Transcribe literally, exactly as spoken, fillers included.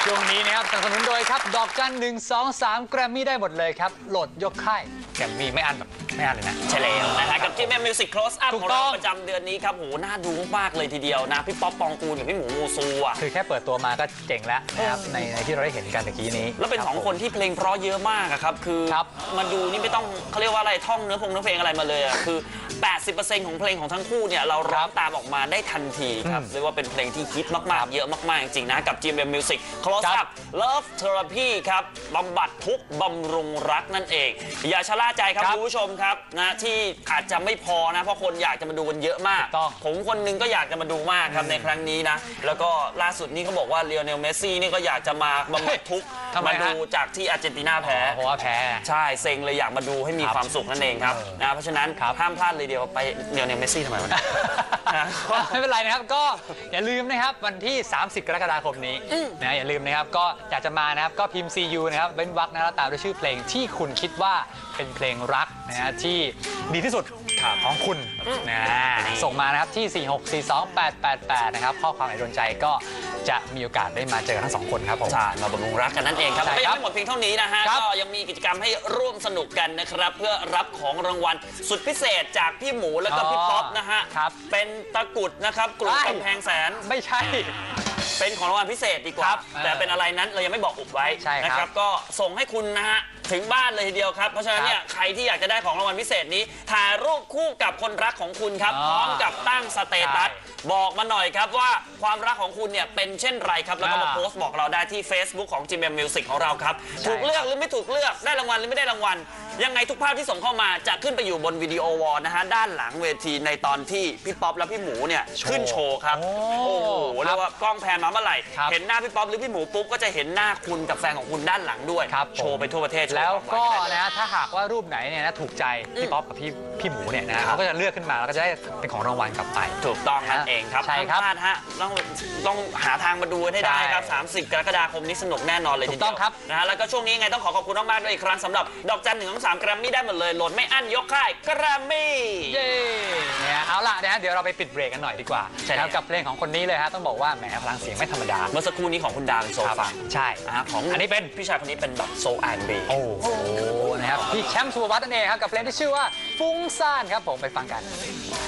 ช่วงนี้นะครับสนับสนุนโดยครับดอกจันหนึ่งสองสามแกรมมี่ได้หมดเลยครับโหลดยกค่ายแกรมมี่ไม่อันแบบไม่อันเลยนะใช่แล้วนะครับกับที่แม่มิวสิก close up ของเราประจำเดือนนี้ครับโหน่าดูมากเลยทีเดียวนะพี่ป๊อปปองกูลกับพี่หมูมูซูอ่ะคือแค่เปิดตัวมาก็เจ๋งแล้วนะครับในในที่เราได้เห็นกันตะกี้นี้แล้วเป็นสองคนที่เพลงเพราะเยอะมากครับคือมาดูนี่ไม่ต้องเขาเรียกว่าอะไรท่องเนื้อพงเนื้อเพลงอะไรมาเลยอ่ะคือ แปดสิบเปอร์เซ็นต์ ของเพลงของทั้งคู่เนี่ยเราร้องตามออกมาได้ทันทีครับเรียกว่าเป็นเพลงที่ฮิตมากๆเยอะมากๆจริงๆนะกับ จี เอ็ม เอ็ม Music Close Up Love Therapy ครับบำบัดทุกบำรุงรักนั่นเองอย่าชะล่าใจครับคุณผู้ชมครับนะที่อาจจะไม่พอนะเพราะคนอยากจะมาดูกันเยอะมากผมคนนึงก็อยากจะมาดูมากครับในครั้งนี้นะแล้วก็ล่าสุดนี้เขาบอกว่าเลโอเนลเมสซี่นี่ก็อยากจะมาบำบัดทุกมาดูจากที่อาร์เจนตินาแพ้เพราะว่าแพ้ใช่เซ็งเลยอยากมาดูให้มีความสุขนั่นเองครับนะเพราะฉะนั้นห้ามพลาดเลยเดียวไปเลโอเนลเมสซี่ทำไมวะไม่เป็นไรนะครับก็อย่าลืมนะครับวันที่สามสิบกรกฎาคมนี้นะอย่าลืมนะครับก็อยากจะมานะครับก็พิมพ์ ซี ยู นะครับเว้นวรรคนะแล้วตามด้วยชื่อเพลงที่คุณคิดว่าเป็นเพลงรักนะฮะที่ดีที่สุดของคุณนะส่งมานะครับที่สี่หกสี่สองแปดแปดแปดนะครับข้อความไหนโดนใจก็จะมีโอกาสได้มาเจอทั้งสองคนครับผมใช่มาบำรุงรักกันนั่นเองครับไม่ยังไม่หมดเพียงเท่านี้นะฮะก็ยังมีกิจกรรมให้ร่วมสนุกกันนะครับเพื่อรับของรางวัลสุดพิเศษจากพี่หมูแล้วก็พี่ป๊อปนะฮะเป็นตะกุดนะครับกลุ่มกำแพงแสนไม่ใช่เป็นของรางวัลพิเศษดีกว่าแต่เป็นอะไรนั้นเรายังไม่บอกอุบไว้นะครับก็ส่งให้คุณนะฮะถึงบ้านเลยทีเดียวครับเพราะฉะนั้นเนี่ยใครที่อยากจะได้ของรางวัลพิเศษนี้ถ่ายรูปคู่กับคนรักของคุณครับพร้อมกับตั้งสเตตัสบอกมาหน่อยครับว่าความรักของคุณเนี่ยเป็นเช่นไรครับแล้วก็มาโพสต์บอกเราได้ที่ Facebook ของ จี เอ็ม เอ็ม Music ของเราครับถูกเลือกหรือไม่ถูกเลือกได้รางวัลหรือไม่ได้รางวัลยังไงทุกภาพที่ส่งเข้ามาจะขึ้นไปอยู่บนวิดีโอวอลนะฮะด้านหลังเวทีในตอนที่พี่ป๊อปและพี่หมูเนี่ยขึ้นโชว์ครับโอ้โหเรียกว่ากล้องแพนมาเมื่อไหร่เห็นหน้าพี่ป๊อปหรือพี่หมูปุ๊บก็จะเห็นหน้าคุณกับแฟนของคุณด้านหลังด้วยโชว์ไปทั่วประเทศแล้วก็นะถ้าหากว่ารูปไหนเนี่ยนะถูกใจพี่ป๊อปกับพี่พี่หมูเนี่ยนะเขาก็จะเลือกขึ้นมาแล้วก็จะได้เป็นของรางวัลกลับไปถูกต้องนั่นเองครับใช่ครับฮะต้องต้องหาทางมาดูให้ได้ครับสามสิบกรกฎาคมนี้สนุกแน่นอนเลยทีเดียวถูกต้องครับนะฮะแล้วก็ช่วงนี้ไงต้องขอขอบคุณมากๆด้วยอีกครั้งสำหรับดอกจันหนึ่งของสามแกรมมี่ได้หมดเลยโหลดไม่อั้นยกค่ายแกรมมี่เย้เนี่ยเอาล่ะนะฮะเดี๋ยวเราไปปิดเบรกกันหน่อยดีกว่าใช่ครับกับเพลงของคนนี้เลยฮะต้องบอกว่าแหมพลังเสียงไม่ธรรมดาเมื่อสักครู่นี้ของคุณดาวเป็นโซฟาใช่ของอันนี้เป็นพี่ชายคนนี้เป็นแบบโซแอนเบย์โอ้โหนะครับพี่แชมป์สุภวัฒน์นั่นเองครับกับเพลงที่ชื่อว่าฟุ้งซ่านครับผมไปฟังกัน